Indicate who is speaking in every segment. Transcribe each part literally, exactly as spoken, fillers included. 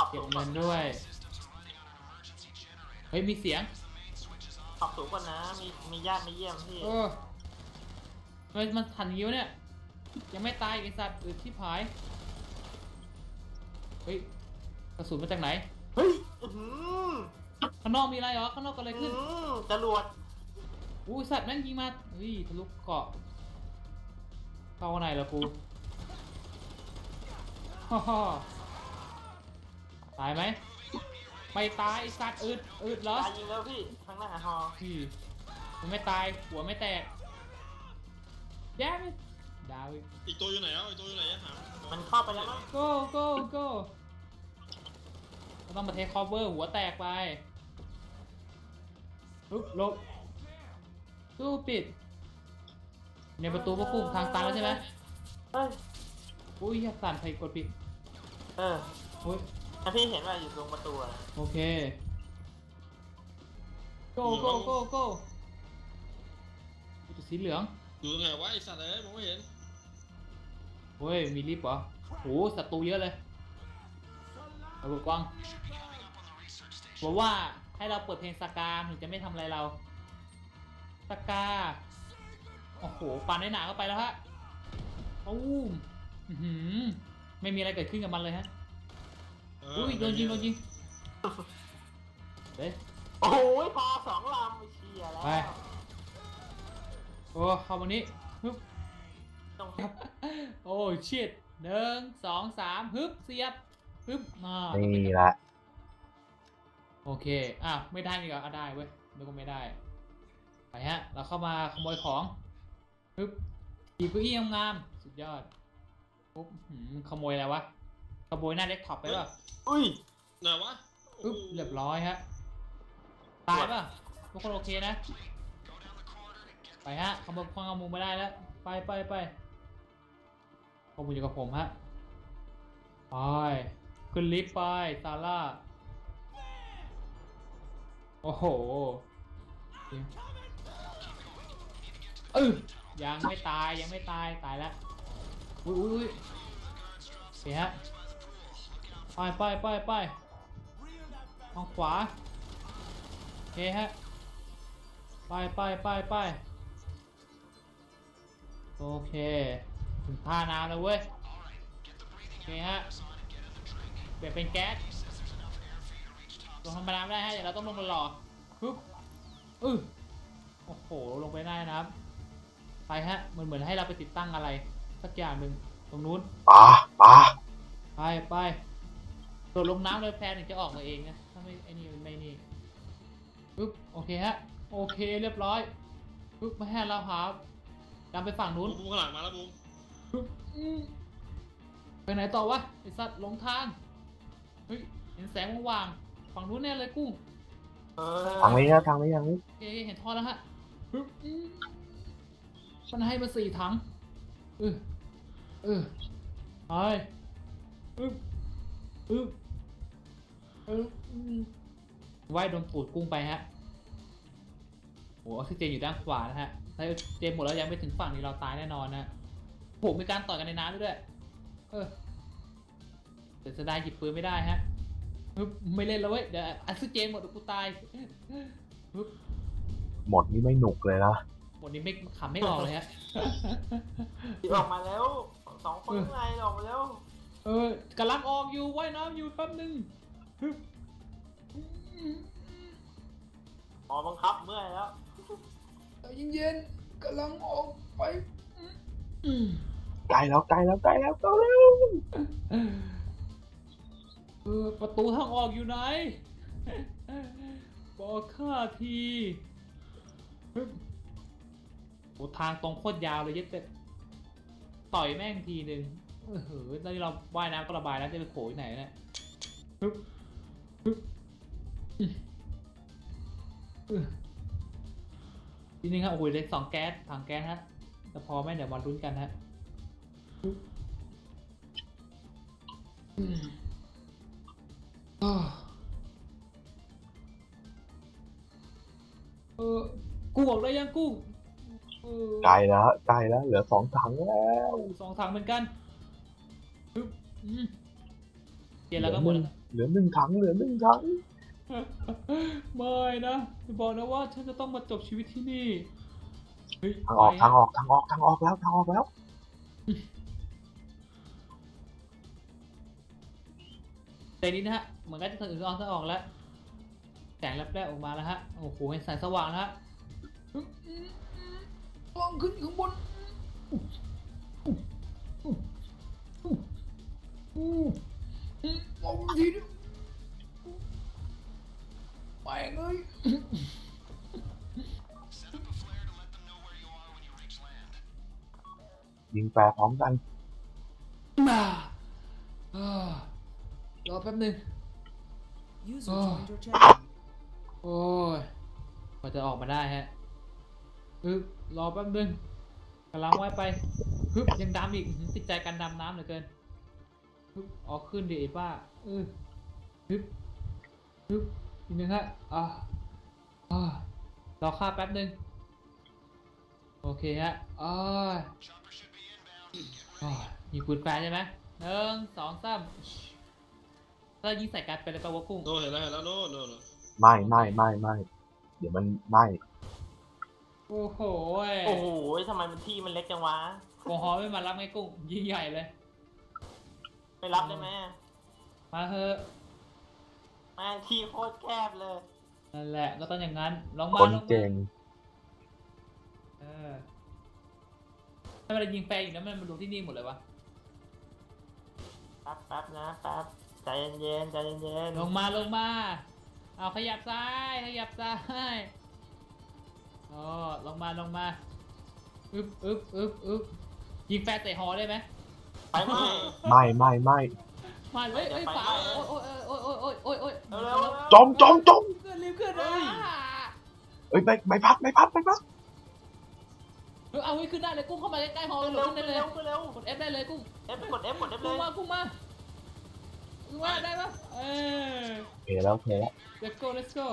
Speaker 1: เก็บเงินด้วยเฮ้ยมีเสียง
Speaker 2: ขอบสูงก่อนนะมีมีญาติมาเยี่ยมพี่
Speaker 1: เออเฮ้ยมันทันยิ้วเนี่ยยังไม่ตายไอ้สัตว์อืดที่ผายเฮ้ยกระสุนมาจากไหน
Speaker 2: เฮ้ย
Speaker 1: ข้างนอกมีอะไรเหรอข้างนอกก็อะไรขึ้น
Speaker 2: จรวด
Speaker 1: อู้สัตว์แม่งยิงมาเฮ้ยทะลุเกาะเข้าข้างในแล้วกูฮ่าฮ่าตายไหมไม่ตายสัตว์อืดอืดเหรอ
Speaker 2: ตายยิงแล้วพี่ข้างหน้าฮอ
Speaker 1: พี่มันไม่ตายหัวไม่แตกแย่ไหมดาว
Speaker 3: อีกตัวอยู่ไหนอ่ะอีกตัวอยู่ไหนอะหา
Speaker 2: มันเข้าไปแล้วมั้ง
Speaker 1: go go go เราต้องมาเทคคอเวอร์หัวแตกไปลุกลบตู้ปิดในประตูพวกกุ้งทางตันแล้วใช่ไหม
Speaker 2: เฮ้ย
Speaker 1: อุ้ยยัดสั่นใครกดปิด
Speaker 2: เออ
Speaker 1: อุ้ย
Speaker 2: ถ้าพี่เห็นว่าอยู่ตรงประตูอะ
Speaker 1: โอเค go go go go ตัวสีเหลือง
Speaker 3: อยู่ตรงไหนวะไอสัตว์เอ้ยมองไม่เห็น
Speaker 1: เฮ้ยมีลิฟต์เหรอโหศัตรูเยอะเลยระเบิดกว้างบอกว่าให้เราเปิดเพลงสกาถึงจะไม่ทำอะไรเราสกาโอ้โหปานในหนาเข้าไปแล้วฮะอู้หืมไม่มีอะไรเกิดขึ้นกับมันเลยฮะอุ้ยโดนยิงโดนยิงเฮ้ย
Speaker 2: โอ้ยพอสองลำไปเชียร์แล้ว
Speaker 1: ไปโอ้เข้ามานี้ฮึบโอ้ชิดหนึ่งสองสามฮึบเสียบฮึบมา
Speaker 4: นี่ละ
Speaker 1: โอเคอ้าวไม่ได้นี่ก็ได้เว้ยนึกว่าไม่ได้ไปฮะเราเข้ามาขโมยของฮึบหยิบเก้าอี้งามสุดยอดปุ๊บขโมยอะไรวะขโมยหน้าเด็กท็อปไปป่ะ
Speaker 2: อุ้ย
Speaker 3: ไหนวะ
Speaker 1: อึ๊บเรียบร้อยฮะตายป่ะทุกคนโอเคนะไปฮะขโมยข้อมูลไม่ได้แล้วไปไปไปข้อมูลอยู่กับผมฮะไปขึ้นลิฟต์ไปซาร่าโอ้โหเออยังไม่ตายยังไม่ตายตายแล้วอุ้ยอุ้ยเสียฮะไปไปไปไปทางขวาโอเคฮะไปไปไปไปโอเคถึงท่าน้ำแล้วเว้ยโอเคฮะเปลี่ยนเป็นแก๊สลงธรรมดาไม่ได้ฮะเดี๋ยวเราต้องลงมาหล่อปึ๊บอือโอ้โหลงไปได้นะครับไปฮะเหมือนเหมือนให้เราไปติดตั้งอะไรสักอย่างหนึ่งตรงนู้น
Speaker 4: ป่าป่า
Speaker 1: ไปไปโดดลงน้ำเลยแพนถึงจะออกมาเองนะถ้าไม่ไอ้นี่ไม่นี่ปึ๊บโอเคฮะโอเคเรียบร้อยปึ๊บมาให้เราหาดำไปฝั่งนู้น
Speaker 3: บูมข้างหลังมาแล้วบูม
Speaker 1: ปึ๊บไปไหนต่อวะไอสัตว์หลงทางเฮ้ยเห็นแสงว่างๆฝั่งนู้นแน่เลยกุ้ง
Speaker 4: ทางนี้นะทางนี้ทางนี้
Speaker 1: โอเคเห็นท่อแล้วฮะปึ๊บมันให้มาสี่ถังเออเออไปปึ๊บปึ๊บเออว่ายโดนปูดกุ้งไปฮะโหออกซิเจนอยู่ด้านขวานะฮะถ้าเจนหมดแล้วยังไม่ถึงฝั่งนี้เราตายแน่นอนนะผมมีการต่อยกันในน้ำด้วยเออแต่จะได้หยิบปืนไม่ได้ฮะไม่เล่นแล้วเว้ยเดี๋ยวออกซิเจนหมดกูตาย
Speaker 4: หมดนี่ไม่หนุกเลยนะ
Speaker 1: หมดนี่ไม่ขำไม่ออกเลยฮะ
Speaker 2: ออกมาแล้วสองคนไงออกมาแล้ว
Speaker 1: เออกำลังออกอยู่ว่ายน้ำอยู่แป๊บนึง
Speaker 2: อ๋อบังคับเมื่อยแล้ว
Speaker 1: เย็นๆกำลังออกไป
Speaker 4: ใกล้แล้วใกล้แล้วใกล้แล้วใกล้แล้ว
Speaker 1: เออประตูทางออกอยู่ไหนบอกข้าทีโอ้ทางตรงโคตรยาวเลยยึดเป็ดต่อยแม่งทีหนึ่งเออเฮ้ยตอนนี้เราว่ายน้ำก็ระบายแล้วจะไปโขยไหนเนี่ยปึ๊บปึ๊บทีนึงครับโอ้ยเล็กสองแก๊สถังแก๊สฮะแต่พอไหมเดี๋ยวมาลุ้นกันฮะเออกูบอกได้ยังกู
Speaker 4: ไกลแล้วไกลแล้วเหลือสองถังแล้ว
Speaker 1: สองถังเหมือนกันเปลี่ยนแล้วก็หมดแล้ว
Speaker 4: เหลือหนึ่งถังเหลือหนึ่งถัง
Speaker 1: ไม่นะอย่าบอกนะว่าฉันจะต้องมาจบชีวิตที่นี่เฮ้ย
Speaker 4: ทางออก
Speaker 1: ไป
Speaker 4: ทางออกทางออกทางออกแล้วทางออกแล้ว
Speaker 1: แต่นี้นะฮะเหมือนกันจะถึงออกจะออกแล้วแสงแลบๆออกมาแล้วฮะโอ้โหเห็นแสงสว่างแล้วฮะมองขึ้นข้างบนมองทีนึงไปเลย
Speaker 4: ยิงแปรพร้อมกัน
Speaker 1: มาอ่ารอแป๊บหนึง
Speaker 5: User
Speaker 1: Oh.
Speaker 5: joined your channel.
Speaker 1: โอ้ยกว่าจะออกมาได้ฮะฮึบรอแป๊บนึงกำลังว่ายไปฮึบยังดำอีกอื้อหือติดใจการดำน้ำเหลือเกินฮึบออกขึ้นดิไอ้ป้าเออฮึบฮึบอีกหนึ่งฮะอ่าอ่ารอข้าแป๊บนึงโอเคฮะอ้ายอ้ายยิงปืนแฟร์ใช่ไหมหนึ่งสองสามถ้ายิงใส่กันเป็นอะไรปะวะกุ้ง
Speaker 3: โน่เห็นแล้วเห็นแล้วโน่โน่โน่
Speaker 4: ไม่ไม่ไม่ไม่เดี๋ยวมันไม่
Speaker 1: โอ้โห
Speaker 2: โอ้โหทำไมมันที่มันเล็กจังวะ
Speaker 1: โกฮอไม่มารับไงกุ้งยิ่งใหญ่เลย
Speaker 2: ไปรับได้ไหม
Speaker 1: มาเถอะ
Speaker 2: แม่งที่โคตรแคบเลย
Speaker 1: นั่นแหละก็ต้องอย่างนั้นลองมา
Speaker 4: คน
Speaker 1: ลองมา
Speaker 4: เก่ง
Speaker 1: เออถ้าเวลายิงแฟร์อีกนะมันมาดูที่นี่หมดเลยวะ
Speaker 2: แป๊บแป๊บนะแป๊บใจเย็นๆใจเย็น
Speaker 1: ลงมาลงมาเอาขยับซ้ายขยับซ้ายอ๋อลงมาลงมาอึ๊บอึ๊บอึ๊บอึ๊บยิงแฟร์เตะหอได้ไหม
Speaker 2: ๆไปไหม
Speaker 4: ไม่ไม่ไม่
Speaker 1: มาเลยเอ้ยฝาโอ้ยโอ้ยโอ้ยโอ้ยโอ้ยโอ้ยโอ้ย
Speaker 2: เร็วๆ
Speaker 4: จมจมจม
Speaker 1: เกินรีบขึ้นเลย
Speaker 4: เอ้ยใบใบพัดใบพัดใบพัด
Speaker 1: เออเอาไว้ขึ้นได้เลยกุ้งเข้ามาใกล้ๆหอ
Speaker 2: เร็
Speaker 1: โด
Speaker 2: ว
Speaker 1: ดขึ้นได้
Speaker 2: เร็
Speaker 1: เล
Speaker 2: วย เร็ว
Speaker 1: กด F ได้เลยกุ้ง
Speaker 2: เอฟกด F กด F เล
Speaker 1: กุ้ง
Speaker 2: ย
Speaker 1: มากุ้งมากุ้งมาได้ปะเออ
Speaker 4: โอเคแล้วโอเคแล้ว
Speaker 1: let's go let's go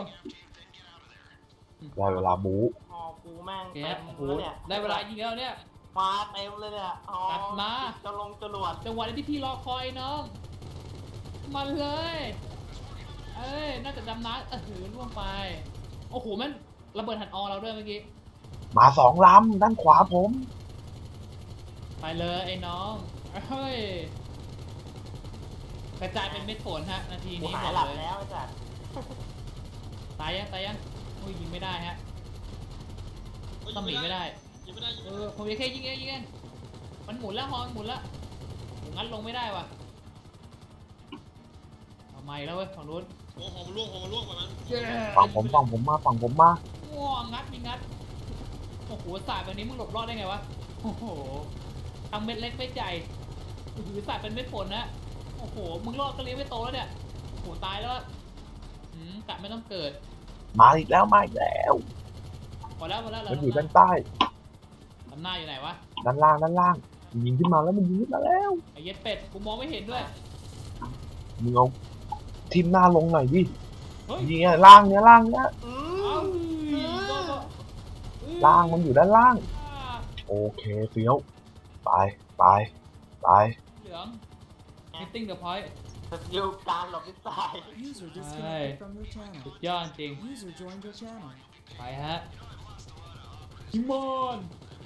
Speaker 4: ได้เวลาบู๊
Speaker 2: หอกูแม่ง
Speaker 1: โอเค
Speaker 2: เต็
Speaker 1: ครับ
Speaker 2: ม
Speaker 1: โอ้โห
Speaker 2: แล้วเนี่ย
Speaker 1: ได้เวลายิงแล้วเนี่ย
Speaker 2: มาเต็มเลยเนี่ยหอ
Speaker 1: ตัดมา
Speaker 2: จะลงจรวด
Speaker 1: จังหวะที่พี่รอคอยน้องมันเลย เอ้ย น่าจะดำน้ำเออหือล่วงไป โอ้โหมันระเบิดหันออเราด้วยเมื่อกี้
Speaker 4: มาสองลำด้านขวาผม
Speaker 1: ไปเลยไอ้น้องเฮ้ย กระจายเป็นเม็ดฝนฮะ นาที
Speaker 2: กู
Speaker 1: นี้
Speaker 2: หา
Speaker 1: บ
Speaker 2: ย
Speaker 1: อก
Speaker 2: หลับ
Speaker 1: เลย
Speaker 2: แล้วไอ้สัส
Speaker 1: ตายยังตายยังอุ้ยยิงไม่ได้ฮะ ต้องหนีไม่ได้
Speaker 3: ยิงไม่ได้ยิง
Speaker 1: เอ
Speaker 3: ไม่
Speaker 1: อ
Speaker 3: ได้
Speaker 1: ผมจะแค่ยิงเองยิงเองมันหมุนแล้วฮอนหมุนแล้วโหงั้นลงไม่ได้ว่ะเอาไม่แล้วเว้ยฝั่งนู้น
Speaker 3: โอ้หอมนล่วงหอมมันล่วงไปมัน
Speaker 4: ฝั่งผมฝั่งผมมาฝั่งผมมา
Speaker 1: ง่วงงัดมีงัด โอ้โหสายแบบนี้มึงหลบรอดได้ไงวะ โอ้โหทำเม็ดเล็กไม่ใหญ่ถือสายเป็นเม็ดฝนนะ โอ้โห มึงรอดก็เลี้ยงไม่โตแล้วเนี่ย โอ้โห ตายแล้วอะอืมกะไม่ต้องเกิด
Speaker 4: มาอีกแล้วมาอีกแล้ว
Speaker 1: พอแล้วพอแล้วเรา
Speaker 4: มันอยู่ด้านใต้
Speaker 1: ทำหน้าอยู่ไหนวะ
Speaker 4: ด้านล่างด้านล่างมันยิงขึ้นมาแล้วมันยิงขึ้นมาแล้ว
Speaker 1: ไอ้เย็ดเป็ด กูมองไม่เห็นด้วย
Speaker 4: มึงเอาทิมหน้าลงหน่อยดิ
Speaker 1: เฮ้ย
Speaker 4: ยิงอะล่างเนี้ยล่างเนี้ย
Speaker 2: อื
Speaker 1: เอ้าม โดนโดนเอ้ย
Speaker 4: ล่างมันอยู่ด้านล่าง
Speaker 1: อ่า
Speaker 4: โอเคเฟี้ยวไปไปไป
Speaker 1: เหลือง hitting the point
Speaker 2: สกิลการหลบทิศซ้าย
Speaker 5: User
Speaker 1: Hey.
Speaker 5: disconnected from your
Speaker 1: สุ
Speaker 5: channel.
Speaker 1: ดยอดจริง
Speaker 5: User joined your channel.
Speaker 1: ไปฮะฮิมอน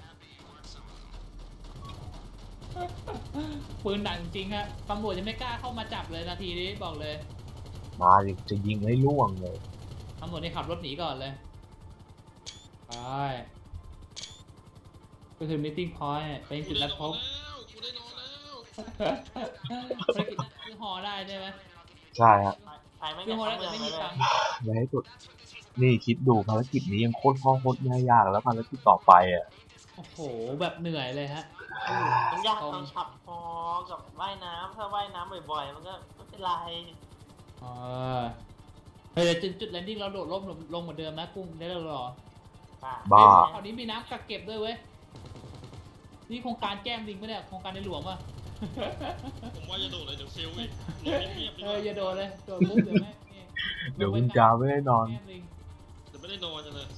Speaker 1: ปืนดังจริงฮะตำรวจจะไม่กล้าเข้ามาจับเลยนาทีนี้บอกเลย
Speaker 4: มาดิจะยิงให้ล่วงเลย
Speaker 1: ตำรวจนี่ขับรถหนีก่อนเลยไปก็คือ meeting point เป็น
Speaker 3: กู
Speaker 1: จุด
Speaker 3: ได้
Speaker 1: นัด
Speaker 3: น
Speaker 1: พ
Speaker 3: อน
Speaker 1: บ
Speaker 3: แล้วกูได้นอนแล้ว
Speaker 1: ภารกิจนั้นคือหอได้ใช่ไหม
Speaker 4: ใช่ฮะ
Speaker 2: ไปไม่
Speaker 1: คือ
Speaker 2: ได้
Speaker 1: หอได้
Speaker 2: ทำ
Speaker 1: แต่
Speaker 2: เมือง
Speaker 1: ไม่
Speaker 2: เล
Speaker 1: มี
Speaker 2: ย
Speaker 1: ตังค์
Speaker 4: อย่าให้สุดนี่คิดดูภารกิจนี้ยังโคตรข้อโคตรง่ายยากแล้วภารกิจต่อไปอ่ะ
Speaker 1: โอ้โหแบบเหนื่อยเลยฮะ
Speaker 2: มันยากตอนขับพอกับว่ายน้ำถ้าว่ายน้ำบ่อยๆ มันก็ไม่เป็นไร
Speaker 1: เออเฮ้ยเดี๋ยวจุดจุดแลนดิ้งเราโดดร่มลงลงเหมือนเดิมนะกุ้งได้แล้วเหรอ
Speaker 4: บ้า
Speaker 1: คราวนี้มีน้ำกักเก็บด้วยเว้ย นี่โครงการแก้มลิงปะเนี่ยโครงการในหลวงป่ะ
Speaker 3: ผมว่าจะโดดเลยเดี๋ยวเฟลอีกโดดเงียบๆดี
Speaker 1: เอก อ
Speaker 3: ว่า
Speaker 1: อย่าโดนเลยโดนปุ๊บเดี๋ยวแม่งนี่
Speaker 4: เดี๋ยวคุณจาไม่ได้นอน
Speaker 1: แก้มลิง
Speaker 3: เดี๋ยวไม่ได้นอนจังเลย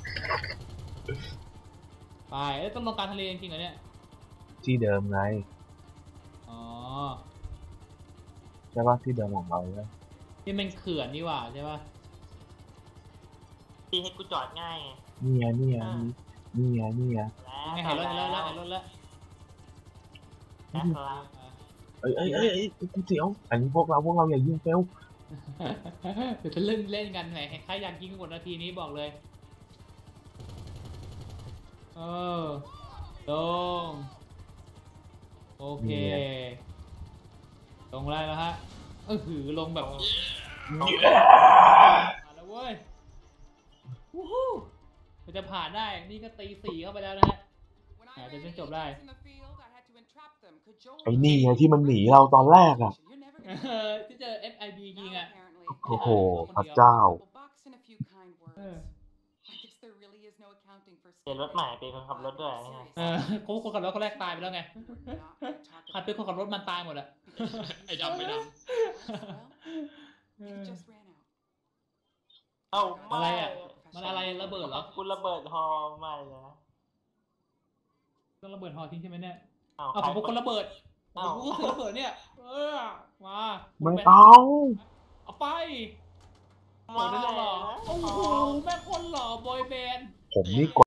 Speaker 1: ไปเอ้ยต้องลงกลารทะเลจริงๆเหรอเนี่ย
Speaker 4: ที่เดิมไง
Speaker 1: อ๋อ
Speaker 4: ใช่ป่ะที่เดิมของเราใช่
Speaker 1: นี่มันเขื่อนนี่หว่าใช่ปะ
Speaker 2: ที่ให้กูจอดง่ายไง
Speaker 4: นี่ไงนี่ไงนี่ไงนี่ไง
Speaker 1: ไงเห็นรถเห็นรถแล้วเห็นรถแล้ว
Speaker 2: แล้วครับ
Speaker 4: เอ้ยเอ้ยเอ้ยเอ้ยกูเสียวอันนี้พวกเราพวกเราอย่ายิงเฟล
Speaker 1: เดี๋ยวจะเล่นเล่นกันไหนใครอยากยิงหมดนาทีนี้บอกเลยเออลงโอเคลงได้แล้วฮะเออหือลงแบบมาแล้วเว้ยวู้ฮู้มันจะผ่านได้นี่ก็ตีสี่เข้าไปแล้วนะฮะอ่าจะจบได้
Speaker 4: ไอ้นี่ไงที่มันหนีเราตอนแรกอ่ะ
Speaker 1: เออที่เจอ เอฟ ไอ บี ยิงอ่ะ
Speaker 4: โอ้โหพระเจ้า
Speaker 1: เออ
Speaker 2: เปลี่ยนรถใหม่เป็นคนขับรถด้วยไง
Speaker 1: เออเขาคนขับรถคนแรกตายไปแล้วไงขัดเป็นคนขับรถมันตายหมดอะ
Speaker 3: ไอ้ดำไม่ด
Speaker 2: เอ้า
Speaker 1: อะไรอ่ะมันอะไรระเบิดเหรอ
Speaker 2: กูระเบิดฮอใหม่เลยนะ
Speaker 1: ต้องระเบิดหอทิ้งใช่ไหมเนี่ย
Speaker 2: เอ้า
Speaker 1: เอาผมเป็นคนระเบิดผ
Speaker 2: เอ้าม
Speaker 1: ก็ถือระเบิดเนี่ยเออมา
Speaker 4: ไม่เอา
Speaker 1: เอาไปโอ้โหได้หล่อโอ้โหแม่คนหล่อบอยแบนด์
Speaker 4: ผมนี่ก